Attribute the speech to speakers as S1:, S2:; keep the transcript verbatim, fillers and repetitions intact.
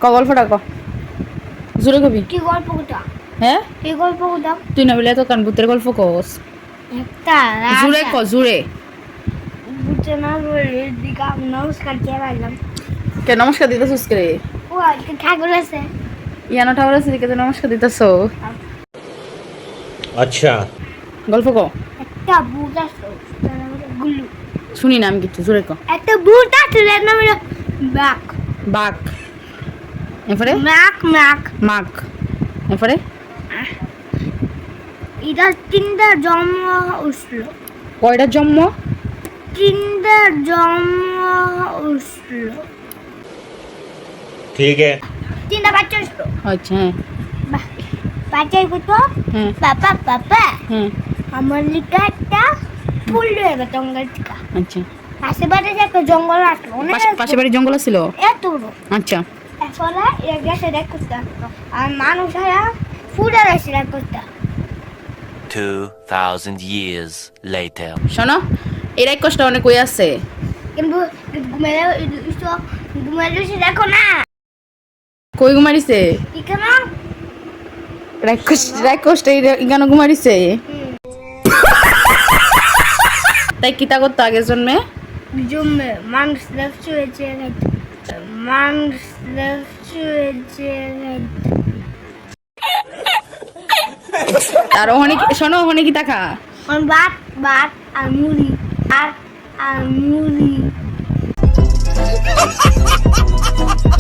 S1: গল্পটা ক জোরে কবি
S2: কি গল্প কোথা
S1: হ্যাঁ
S2: কি গল্প কোথা
S1: তুই না বলে তো কান ভূতের গল্প কস
S2: একটা
S1: জোরে ক জোরে
S2: বুঝতে না বলে দিকা নমস্কার কে লাগলাম
S1: কে নমস্কার দিতেছিস কে
S2: ও আজকে ঠাকুর আছে
S1: ইয়ানো ঠাকুর আছে দিকে তো নমস্কার দিতেছো
S3: अच्छा
S1: গল্প ক
S2: একটা ভূত আছে তার নাম হলো গুল্লু
S1: শুনি না আমি কিছু জোরে ক
S2: একটা ভূত আছে তার নাম হলো বাক
S1: বাঘ এরপরে
S2: ম্যাক ম্যাক
S1: মাঘ এরপরে
S2: এটা তিনটা জন্ম উঠল
S1: কয়টা জন্ম
S2: তিনটা জন্ম উঠল
S3: ठीक है
S2: তিনটা বাচ্চা উঠল
S1: আচ্ছা হ্যাঁ
S2: বাচ্চাই কইতো
S1: হ্যাঁ
S2: পাপা পাপা
S1: হ্যাঁ
S2: আমার লিখা একটা ফুল দেবে জঙ্গল থেকে
S1: আচ্ছা
S2: আশেপাশে যে একটা জঙ্গল আসলো অনেক
S1: পাশে- পাশে বাড়ির জঙ্গল ছিল
S2: এত বড়
S1: আচ্ছা
S2: এরপরে এর গেছে দেখ করতে আসতো আর মানুষেরা ফুলের এসে দেখ করতে
S4: Two thousand years later.
S1: শোনো এর এক কষ্ট অনেক কই আছে
S2: কিন্তু ঘুমেলে ঘুমেলে দেখো না
S1: কই ঘুমারিছে
S2: কেন
S1: রাক্ষস রাক্ষসটা ইগানো ঘুমারিছে তাই কিতা করতো আগের জন্মে
S2: জমে মানুষ দেখছো হয়েছে মানুষ দেখছো হয়েছে
S1: আর ওখানে কি- শোনো ওখানে কি টাকা
S2: ভাত ভাত আর মুড়ি আর আর মুড়ি